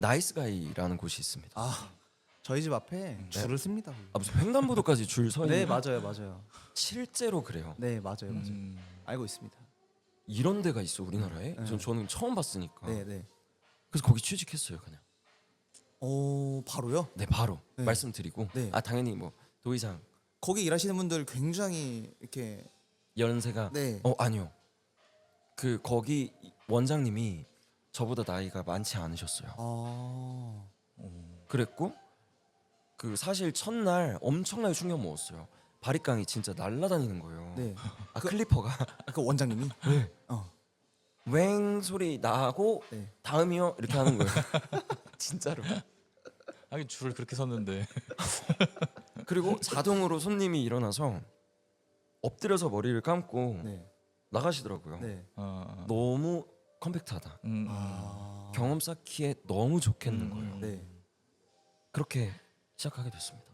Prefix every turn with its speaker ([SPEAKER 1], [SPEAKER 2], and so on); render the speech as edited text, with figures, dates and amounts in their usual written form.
[SPEAKER 1] 나이스가이라는 곳이 있습니다.
[SPEAKER 2] 아 저희 집 앞에 줄을 씁니다. 거기.
[SPEAKER 1] 아, 무슨 횡단보도까지 줄 서 있는.
[SPEAKER 2] 네 맞아요 맞아요.
[SPEAKER 1] 실제로 그래요.
[SPEAKER 2] 네 맞아요 맞아요. 알고 있습니다.
[SPEAKER 1] 이런 데가 있어 우리나라에.
[SPEAKER 2] 네.
[SPEAKER 1] 저는 처음 봤으니까.
[SPEAKER 2] 네 네.
[SPEAKER 1] 그래서 거기 취직했어요 그냥.
[SPEAKER 2] 오 바로요?
[SPEAKER 1] 네 바로
[SPEAKER 2] 네.
[SPEAKER 1] 말씀드리고.
[SPEAKER 2] 네.
[SPEAKER 1] 아 당연히 뭐 도의상
[SPEAKER 2] 거기 일하시는 분들 굉장히 이렇게
[SPEAKER 1] 연세가
[SPEAKER 2] 네.
[SPEAKER 1] 아니요. 그 거기 원장님이 저보다 나이가 많지 않으셨어요.
[SPEAKER 2] 아
[SPEAKER 1] 그랬고 그 사실 첫날 엄청나게 충격 먹었어요. 바리깡이 진짜 날아다니는 거예요.
[SPEAKER 2] 네.
[SPEAKER 1] 아 클리퍼가
[SPEAKER 2] 그 원장님이
[SPEAKER 1] 웽 소리 나고
[SPEAKER 2] 네.
[SPEAKER 1] 다음이요 이렇게 하는 거예요. 진짜로.
[SPEAKER 3] 하긴 줄을 그렇게 섰는데.
[SPEAKER 1] 그리고 자동으로 손님이 일어나서 엎드려서 머리를 감고
[SPEAKER 2] 네.
[SPEAKER 1] 나가시더라고요.
[SPEAKER 2] 네.
[SPEAKER 1] 너무 컴팩트하다.
[SPEAKER 2] 아
[SPEAKER 1] 경험 쌓기에 너무 좋겠는 거예요.
[SPEAKER 2] 네.
[SPEAKER 1] 그렇게 시작하게 됐습니다.